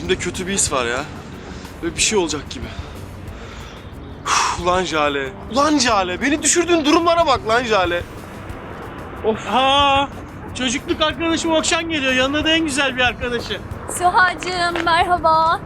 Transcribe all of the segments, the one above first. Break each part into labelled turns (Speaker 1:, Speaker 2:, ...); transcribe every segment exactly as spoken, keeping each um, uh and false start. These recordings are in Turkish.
Speaker 1: İçimde kötü bir his var ya. Böyle bir şey olacak gibi. Uf, ulan Jale. Ulan Jale. Beni düşürdüğün durumlara bak lan Jale.
Speaker 2: Of. Aa, çocukluk arkadaşım Okşan geliyor. Yanına da en güzel bir arkadaşı.
Speaker 3: Süha'cığım merhaba.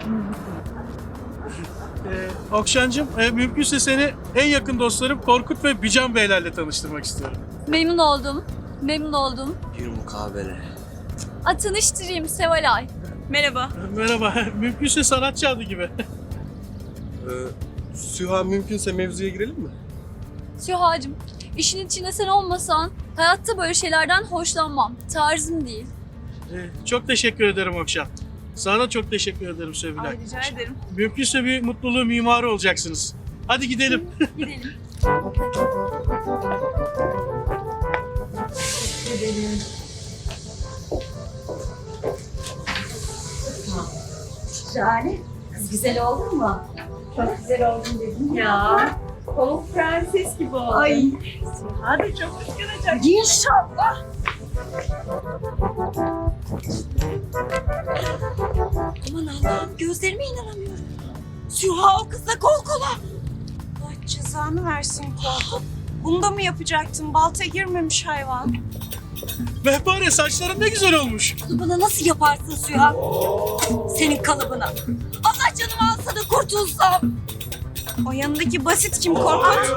Speaker 2: Ee, Okşancığım, e, mümkünse seni en yakın dostlarım Korkut ve Bican Beylerle tanıştırmak istiyorum.
Speaker 3: Memnun oldum. Memnun oldum.
Speaker 1: Bir mukabele.
Speaker 3: A, tanıştırayım Sevalay. Merhaba.
Speaker 2: Merhaba, mümkünse sanatçı adı gibi.
Speaker 1: Ee, Süha mümkünse mevzuya girelim mi?
Speaker 3: Süha'cığım, işin içinde sen olmasan hayatta böyle şeylerden hoşlanmam. Tarzım değil.
Speaker 2: Ee, çok teşekkür ederim Okşan. Sana çok teşekkür ederim Sevilay.
Speaker 3: Ay, rica ederim.
Speaker 2: Mümkünse bir mutluluğun mimarı olacaksınız. Hadi gidelim.
Speaker 3: Gidelim.
Speaker 4: Jale, kız güzel oldun mu? Çok güzel oldun dedim ya. Pamuk prenses gibi oldun. Ay, Süha da çok kıskanacak. İnşallah. Aman Allah'ım, gözlerime inanamıyorum. Süha o kızla kol kola.
Speaker 5: Allah cezanı versin Korkut. Bunu da mı yapacaktın? Balta girmemiş hayvan.
Speaker 2: Mehpare, saçların ne güzel olmuş.
Speaker 4: Bunu bana nasıl yaparsın Süha? Senin kalıbına. Allah canımı alsa da kurtulsam.
Speaker 5: O yanındaki basit kim Korkut?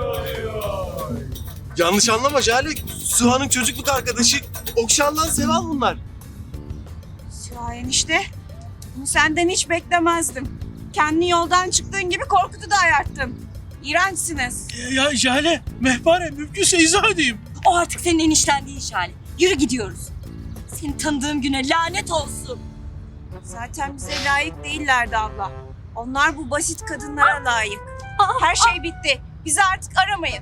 Speaker 1: Yanlış anlama Jale. Süha'nın çocukluk arkadaşı Okşan'dan Seval bunlar.
Speaker 5: Süha enişte, bunu senden hiç beklemezdim. Kendi yoldan çıktığın gibi Korkut'u da ayarttın. İğrençsiniz.
Speaker 2: Ya Jale, Mehpare, mümkünse izah edeyim.
Speaker 4: O artık senin enişten değil Şale. Yürü gidiyoruz. Seni tanıdığım güne lanet olsun.
Speaker 5: Zaten bize layık değillerdi abla. Onlar bu basit kadınlara layık. Her şey bitti. Bizi artık aramayın.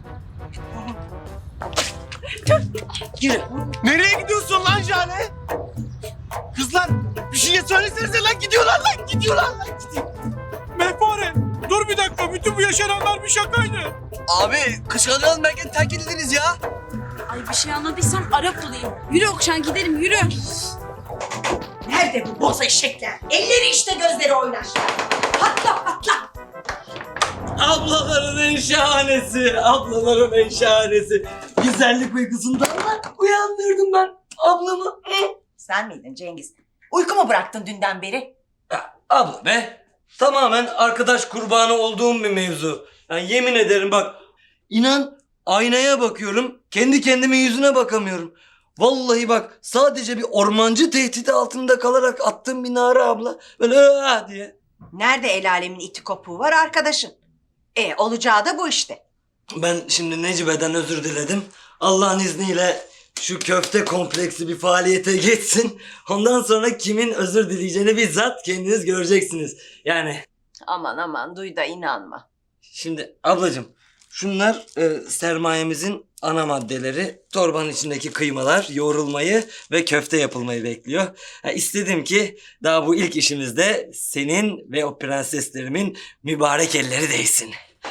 Speaker 4: Yürü.
Speaker 1: Nereye gidiyorsun lan Jale? Kızlar bir şey söylesenize lan, gidiyorlar lan, gidiyorlar lan. Gidiyor.
Speaker 2: Mehpare, dur bir dakika. Bütün bu yaşananlar bir şakaydı.
Speaker 6: Abi kışkırtmadan belki terk edildiniz ya.
Speaker 4: Ay bir şey anladıysam Arap olayım. Yürü Okşan gidelim yürü.
Speaker 7: Nerede bu boz eşekler? Elleri işte gözleri oynar. Patla patla.
Speaker 6: Ablaların en şahanesi, ablaların en şahanesi. Güzellik uykusundan mı uyandırdım ben ablamı?
Speaker 7: Sen miydin Cengiz? Uyku mu bıraktın dünden beri?
Speaker 6: Ya, abla be, tamamen arkadaş kurbanı olduğum bir mevzu. Yani yemin ederim bak, inan aynaya bakıyorum, kendi kendimin yüzüne bakamıyorum. Vallahi bak, sadece bir ormancı tehdidi altında kalarak attığım bir nara abla. Böyle ıı diye.
Speaker 7: Nerede el alemin iti kopuğu var arkadaşın? E olacağı da bu işte.
Speaker 6: Ben şimdi Necibe'den özür diledim. Allah'ın izniyle şu köfte kompleksi bir faaliyete geçsin. Ondan sonra kimin özür dileyeceğini bizzat kendiniz göreceksiniz. Yani
Speaker 7: Aman aman duy da inanma.
Speaker 6: şimdi ablacığım, şunlar e, sermayemizin ana maddeleri. Torbanın içindeki kıymalar yoğrulmayı ve köfte yapılmayı bekliyor. Ha, istedim ki daha bu ilk işimizde senin ve o prenseslerimin mübarek elleri değsin.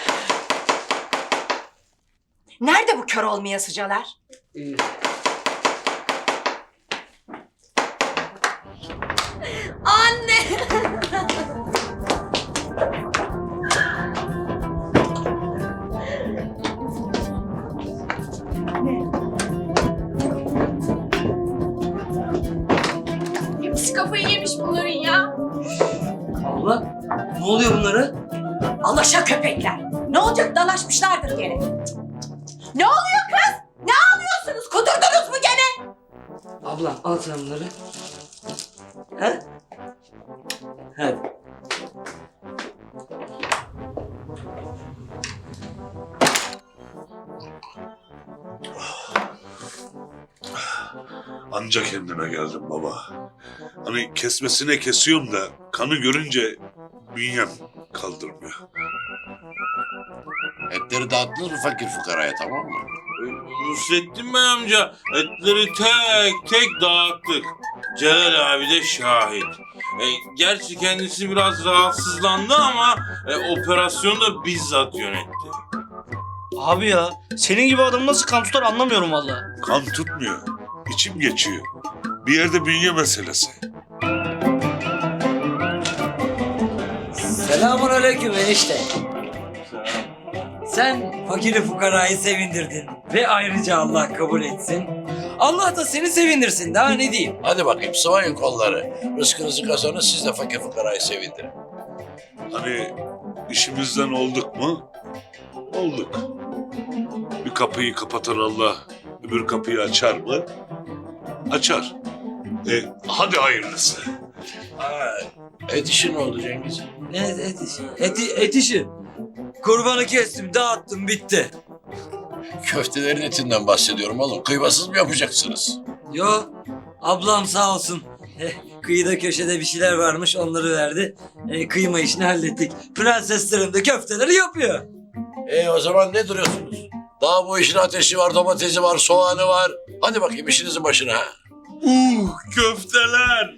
Speaker 7: Nerede bu kör olmayasıcalar?
Speaker 6: Ee,
Speaker 4: Anne.
Speaker 3: Hepsi kafayı yemiş bunların ya.
Speaker 6: abla, ne oluyor bunlara?
Speaker 7: Alaşa köpekler. Ne olacak, dalaşmışlardır gene. Ne oluyor kız? Ne ağlıyorsunuz? Kudurdunuz mu gene?
Speaker 6: Ablam al sen bunları. He? Hadi.
Speaker 8: Anca kendime geldim baba. Hani kesmesine kesiyorum da kanı görünce bünyem kaldırmıyor.
Speaker 9: Etleri dağıttınız mı fakir fukaraya, tamam mı?
Speaker 10: Nusrettin Bey amca etleri tek tek dağıttık. Celal abi de şahit. E, gerçi kendisi biraz rahatsızlandı ama e, operasyonu da bizzat yönetti.
Speaker 2: Abi ya, senin gibi adam nasıl kan tutar anlamıyorum vallahi.
Speaker 8: Kan tutmuyor. İçim geçiyor. Bir yerde bünye meselesi.
Speaker 6: Selamünaleyküm enişte. Sen fakiri fukarayı sevindirdin ve ayrıca Allah kabul etsin. Allah da seni sevindirsin, daha ne diyeyim?
Speaker 9: Hadi bakayım sıvayın kolları. Rızkınızı kazanın, siz de fakir fukarayı sevindirin.
Speaker 8: Hani işimizden olduk mu? Olduk. Bir kapıyı kapatan Allah öbür kapıyı açar mı? Açar. E, hadi hayırlısı.
Speaker 9: Ha, et işi ne oldu Cengiz?
Speaker 6: Ne et işi? Eti, et işi. Kurbanı kestim, dağıttım, bitti.
Speaker 9: Köftelerin etinden bahsediyorum oğlum. Kıymasız mı yapacaksınız?
Speaker 6: Yo, ablam sağ olsun. Eh, kıyıda köşede bir şeyler varmış, onları verdi. Eh, kıyma işini hallettik. Prenseslerim de köfteleri yapıyor.
Speaker 9: E o zaman ne duruyorsunuz? Daha bu işin ateşi var, domatesi var, soğanı var. Hadi bakayım işinizin başına.
Speaker 10: Uh köfteler.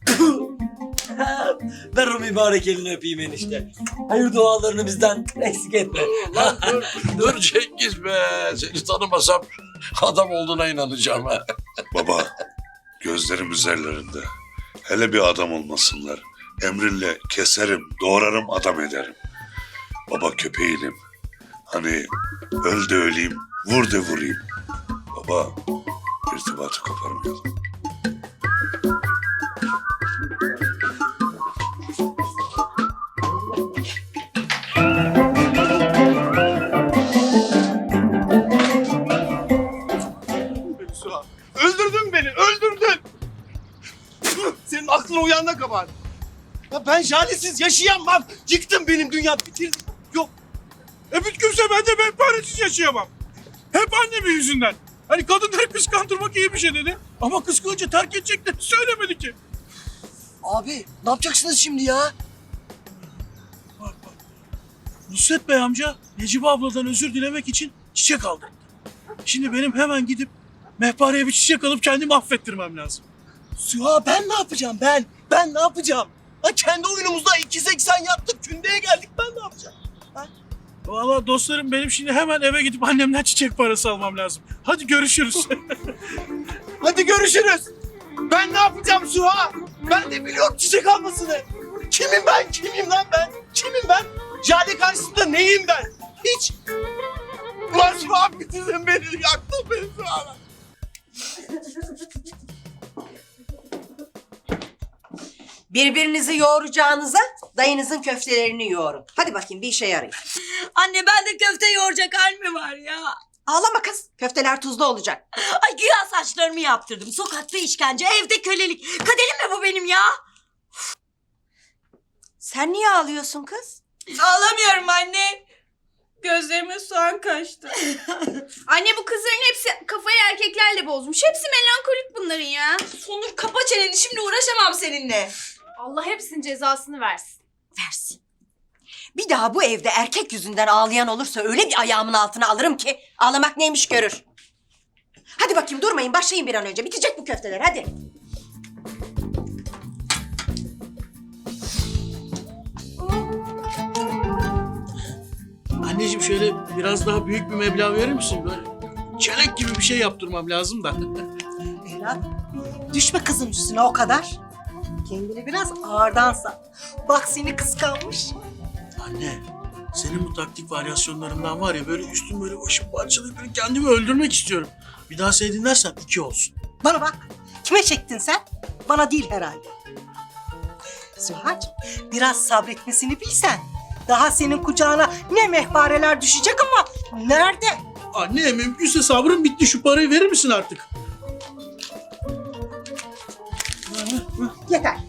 Speaker 6: Ver o mübarek elini öpeyim enişte. Hayır dualarını bizden eksik etme.
Speaker 9: Lan dur, dur Cengiz be. Seni tanımasam adam olduğuna inanacağım ha.
Speaker 8: Baba, gözlerim üzerlerinde. Hele bir adam olmasınlar. Emrinle keserim, doğrarım, adam ederim. Baba köpeğinim. Hani öl de öleyim, vur de vurayım. Baba, irtibatı koparmayalım.
Speaker 1: Beni Suha. Öldürdün beni, öldürdün. Senin aklın uyanına kabar. Ya ben Jale'siz yaşayamam. Yıktın benim dünya, bitirdin. Yok.
Speaker 10: E mümkünse ben de menfaretsiz yaşayamam. Hep annemin yüzünden. Hani kadınları kıskandırmak iyi bir şey dedi. Ama kıskanınca terk edeceklerini söylemedi ki.
Speaker 2: Abi ne yapacaksınız şimdi ya? Bak bak. Nusret Bey amca Necibe abladan özür dilemek için çiçek aldırdı. Şimdi benim hemen gidip mehpareye bir çiçek alıp kendimi affettirmem lazım.
Speaker 1: Suha ben ne yapacağım ben? Ben ne yapacağım? Ha, kendi oyunumuzda iki seksen yaptık, kündeye geldik, ben ne yapacağım?
Speaker 2: Vallahi dostlarım benim şimdi hemen eve gidip annemden çiçek parası almam lazım. Hadi görüşürüz.
Speaker 1: Hadi görüşürüz. Ben ne yapacağım Suha? Ben de biliyorum çiçek almasını. Kimim ben? Kimim lan ben? Kimim ben? Jale karşısında neyim ben? Hiç. Ulan Suha bitirdin beni, yaktın beni Suha.
Speaker 7: Birbirinizi yoğuracağınıza dayınızın köftelerini yoğurun. Hadi bakayım bir işe yarayın.
Speaker 4: Anne ben de köfte yoğuracak hal mi var ya?
Speaker 7: Ağlama kız. Köfteler tuzlu olacak.
Speaker 4: Ay güya saçlarımı yaptırdım. Sokakta işkence, evde kölelik. Kaderim mi bu benim ya?
Speaker 7: Sen niye ağlıyorsun kız?
Speaker 5: Ağlamıyorum anne. Gözlerime soğan kaçtı.
Speaker 11: Anne bu kızların hepsi kafayı erkeklerle bozmuş. Hepsi melankolik bunların ya.
Speaker 4: Sonur kapa çeneni, şimdi uğraşamam seninle.
Speaker 11: Allah hepsinin cezasını versin.
Speaker 7: Versin. Bir daha bu evde erkek yüzünden ağlayan olursa öyle bir ayağımın altına alırım ki ağlamak neymiş görür. Hadi bakayım durmayın, başlayın bir an önce. Bitecek bu köfteler, hadi.
Speaker 2: Anneciğim şöyle biraz daha büyük bir meblağ verir misin? Böyle çelenk gibi bir şey yaptırmam lazım da.
Speaker 5: Evlat, düşme kızın üstüne o kadar. Kendini biraz ağırdan sat. Bak seni kıskanmış.
Speaker 2: Anne, senin bu taktik varyasyonlarından var ya böyle üstüm böyle başım parçalayıp böyle kendimi öldürmek istiyorum. Bir daha sevdin dersen iki olsun.
Speaker 5: Bana bak, kime çektin sen? Bana değil herhalde. Süha'cığım, biraz sabretmesini bilsen. Daha senin kucağına ne mehpareler düşecek ama nerede?
Speaker 2: Anne mümkünse sabrım bitti, şu parayı verir misin artık?
Speaker 5: Yeter.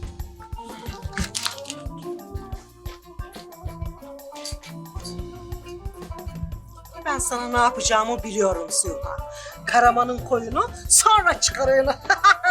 Speaker 5: Ben sana ne yapacağımı biliyorum Süha. Karamanın koyunu sonra çıkarığını.